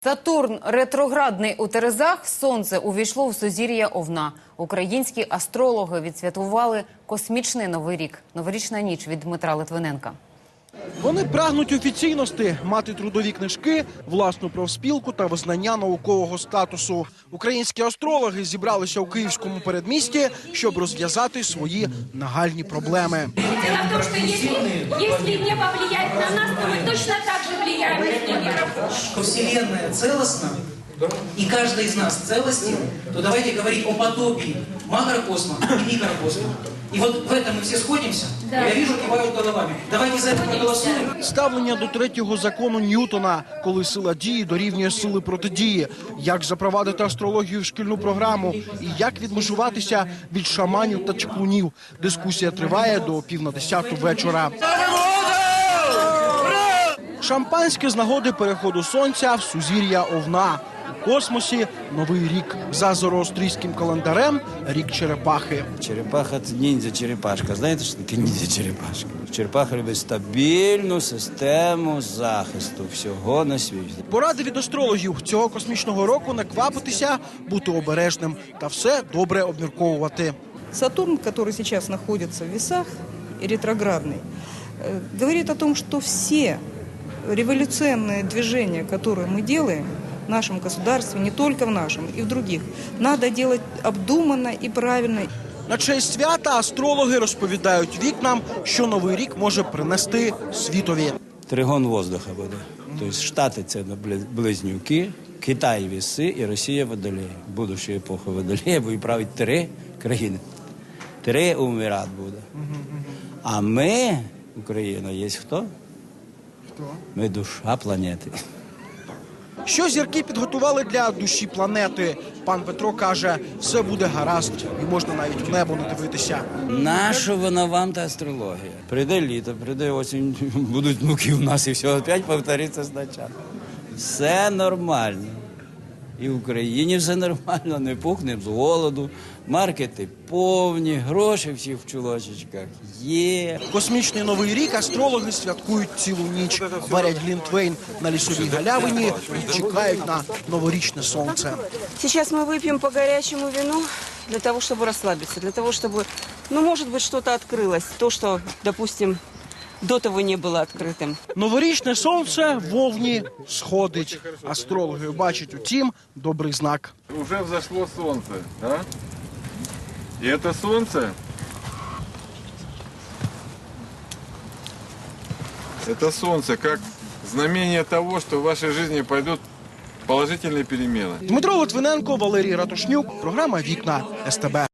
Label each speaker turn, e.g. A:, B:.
A: Сатурн ретроградний у Терезах, сонце увійшло в сузір'я Овна. Українські астрологи відсвяткували космічний Новий рік. Новорічна ніч від Дмитра Литвиненка.
B: Вони прагнуть офіційності, мати трудові книжки, власну профспілку та визнання наукового статусу. Українські астрологи зібралися у київському передмісті, щоб розв'язати свої нагальні проблеми.
C: Дело в том, что если не повлиять на нас, то мы точно так же влияем на мир.
D: Вселенная целостна, и каждый из нас целостен, то давайте говорить о потопе макрокосма и микрокосма. И вот в этом мы все сходимся. Да. Я вижу, кивают головами. Давайте за это проголосуем.
B: Ставлення до третього закону Ньютона, коли сила дії дорівнює сили протидії. Як запровадити астрологію в шкільну програму і як відмежуватися від шаманів та чаклунів. Дискусія триває до 9:50 вечора. Шампанське з нагоди переходу сонця в сузір'я Овна. У космосі Новий рік. За зороастрійським календарем – рік черепахи.
E: Черепаха – це ніндзя-черепашка. Знаєте, що таке ніндзя-черепашка? Черепаха любить стабільну систему захисту всього на світі.
B: Поради від астрологів цього космічного року – не квапитися, бути обережним та все добре обмірковувати.
F: Сатурн, который сейчас находится в весах, ретроградный, говорит о том, что все революционные движения, которые мы делаем в нашем государстве, не только в нашем, и в других, надо делать обдуманно и правильно.
B: На честь свята астрологи розповідають вікнам, що Новий рік може принести світові.
E: Тригон воздуха буде. Тобто Штати – це близнюки, Китай – віси і Росія – водолей. Будущу епоху водолея будуть правити 3 країни. 3 умират буде. А ми, Україна, є хто? Ми душа планети.
B: Що зірки підготували для душі планети? Пан Петро каже, все буде гаразд і можна навіть в небо не дивитися.
E: Нащо вона вам та астрологія? Прийде літо, прийде осінь, будуть внуки у нас і все опять повториться спочатку. Все нормально. І в Україні все нормально, не пухнемо з голоду, маркети повні, гроші всі в чулочечках є.
B: Космічний Новий рік астрологи святкують цілу ніч, варять глінтвейн на лісовій галявині і чекають на новорічне сонце.
G: Сейчас мы выпьем по горячему вину для того, чтобы расслабиться, для того, чтобы, может быть, что-то открылось. То, что, допустим, до того не было открытым.
B: Новорічне сонце в Овні сходить. Астрологи бачать у тім добрий знак.
H: Уже взошло солнце, да? И это солнце, как знамение того, что в вашей жизни пойдут положительные перемены.
B: Дмитро Литвиненко, Валерій Ратушнюк. Програма «Вікна» СТБ.